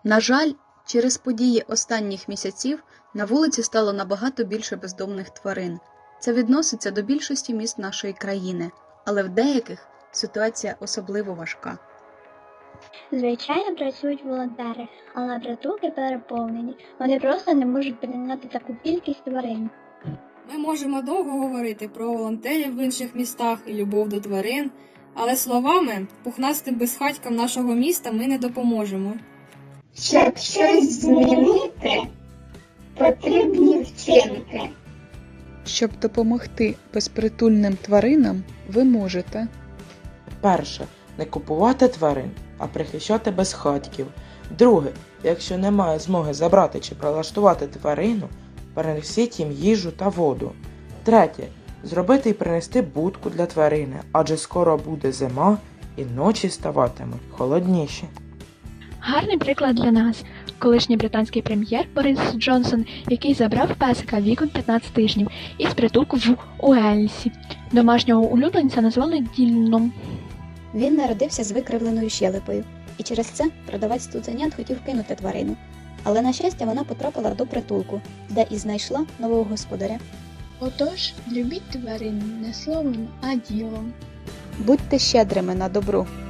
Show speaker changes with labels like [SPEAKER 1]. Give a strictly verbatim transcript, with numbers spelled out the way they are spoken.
[SPEAKER 1] На жаль, через події останніх місяців на вулиці стало набагато більше бездомних тварин. Це відноситься до більшості міст нашої країни, але в деяких ситуація особливо важка.
[SPEAKER 2] Звичайно, працюють волонтери, але притулки переповнені. Вони просто не можуть прийняти таку кількість тварин.
[SPEAKER 3] Ми можемо довго говорити про волонтерів в інших містах і любов до тварин, але словами пухнастим безхатькам нашого міста ми не допоможемо.
[SPEAKER 4] Щоб щось змінити, потрібні вчинки.
[SPEAKER 5] Щоб допомогти безпритульним тваринам, ви можете
[SPEAKER 6] Перше. Не купувати тварин, а прихищати безхатьків. Друге. Якщо немає змоги забрати чи прилаштувати тварину, перенесіть їм їжу та воду. Третє. Зробити і принести будку для тварини, адже скоро буде зима і ночі ставатимуть холодніші.
[SPEAKER 7] Гарний приклад для нас – колишній британський прем'єр Борис Джонсон, який забрав песика віком п'ятнадцять тижнів із притулку в Уельсі. Домашнього улюбленця назвали Діланом.
[SPEAKER 8] Він народився з викривленою щелепою, і через це продавець цуценят хотів кинути тварину. Але, на щастя, вона потрапила до притулку, де і знайшла нового господаря.
[SPEAKER 9] Отож, любіть тварин не словом, а ділом.
[SPEAKER 1] Будьте щедрими на добро.